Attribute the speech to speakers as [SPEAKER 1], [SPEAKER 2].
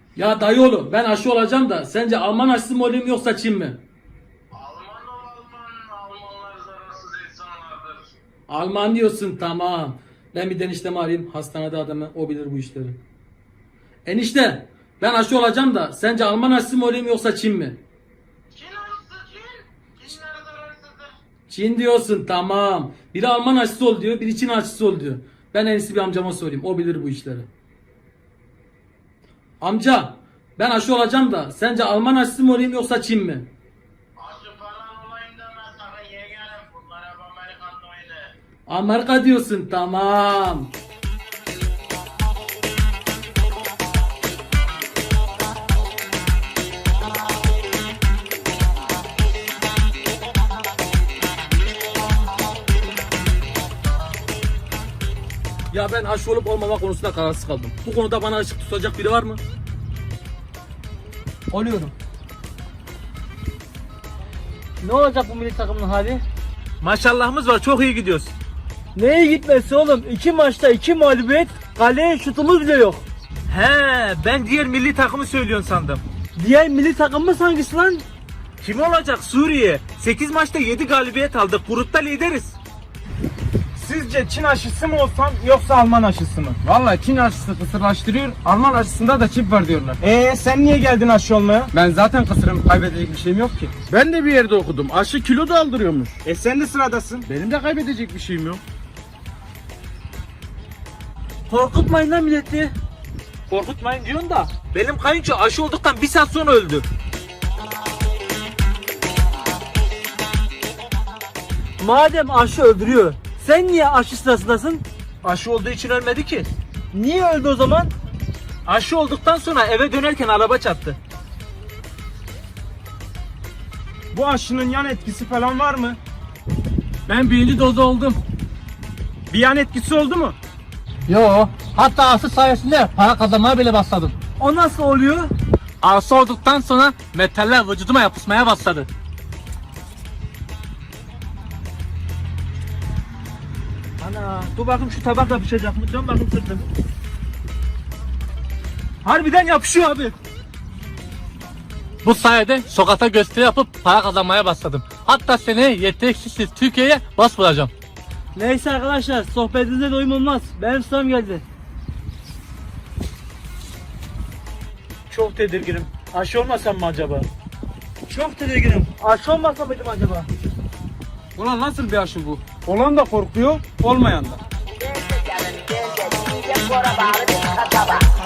[SPEAKER 1] Ya dayıoğlu ben aşı olacağım da sence Alman aşısı mı olayım yoksa Çin mi?
[SPEAKER 2] Alman ol Alman. Almanlar zararsız insanlardır.
[SPEAKER 1] Alman diyorsun, tamam. Ben bir eniştemi arayayım, hastanede adamı, o bilir bu işleri. Enişte ben aşı olacağım da sence Alman aşısı mı olayım yoksa Çin mi?
[SPEAKER 2] Çin aşısı Çin. Çinler zararsızdır.
[SPEAKER 1] Çin diyorsun, tamam. Biri Alman aşısı ol diyor, biri Çin aşısı ol diyor. Ben en iyisi bir amcama sorayım, o bilir bu işleri. Amca ben aşı olacağım da sence Alman aşısı mı olayım yoksa Çin mi?
[SPEAKER 2] Aşı falan olayım deme sakın yeğenim. Bunlar hep Amerikan oyunu.
[SPEAKER 1] Amerika diyorsun, tamam. Ya ben aşı olup olmama konusunda kararsız kaldım. Bu konuda bana ışık tutacak biri var mı?
[SPEAKER 3] Oluyorum. Ne olacak bu milli takımın hali?
[SPEAKER 4] Maşallahımız var, çok iyi gidiyoruz.
[SPEAKER 3] Neye gitmesi oğlum? 2 maçta 2 mağlubiyet, kaleye şutumuz bile yok.
[SPEAKER 4] He, ben diğer milli takımı söylüyorsun sandım.
[SPEAKER 3] Diğer milli takımımız hangisi lan?
[SPEAKER 4] Kim olacak? Suriye. 8 maçta 7 galibiyet aldık. Grupta lideriz.
[SPEAKER 5] Sizce Çin aşısı mı olsam yoksa Alman aşısı mı? Vallahi Çin aşısı kısırlaştırıyor, Alman aşısında da çip var diyorlar. Sen niye geldin aşı olmaya? Ben zaten kısırım, kaybedecek bir şeyim yok ki.
[SPEAKER 6] Ben de bir yerde okudum. Aşı kilo da aldırıyormuş.
[SPEAKER 5] Sen de sıradasın.
[SPEAKER 6] Benim de kaybedecek bir şeyim yok.
[SPEAKER 3] Korkutmayın lan milleti.
[SPEAKER 4] Korkutmayın diyorsun da. Benim kayınço aşı olduktan 1 saat sonra öldü.
[SPEAKER 3] Madem aşı öldürüyor, sen niye aşı sırasındasın?
[SPEAKER 4] Aşı olduğu için ölmedi ki.
[SPEAKER 3] Niye öldü o zaman?
[SPEAKER 4] Aşı olduktan sonra eve dönerken araba çarptı.
[SPEAKER 5] Bu aşının yan etkisi falan var mı?
[SPEAKER 6] Ben birinci dozu oldum.
[SPEAKER 5] Bir yan etkisi oldu mu?
[SPEAKER 6] Yo. Hatta aşı sayesinde para kazanmaya bile başladım.
[SPEAKER 3] O nasıl oluyor?
[SPEAKER 6] Aşı olduktan sonra metaller vücuduma yapışmaya başladı.
[SPEAKER 3] Ana, dur bakayım şu tabak yapışacak mı? Dön bakayım sırtım.
[SPEAKER 4] Harbiden yapışıyor abi.
[SPEAKER 6] Bu sayede sokakta gösteri yapıp para kazanmaya başladım. Hatta seneye yeteneksiz Türkiye'ye başvuracağım.
[SPEAKER 3] Neyse arkadaşlar, sohbetinize doyum olmaz. Benim sıram geldi.
[SPEAKER 4] Çok tedirginim. Aşı olmasam mı acaba?
[SPEAKER 3] Çok tedirginim. Aşı olmasa mıydım acaba?
[SPEAKER 5] Ulan nasıl bir aşı bu? Olan da korkuyor, olmayan da.
[SPEAKER 7] Dance together, dance, DJ, what about it?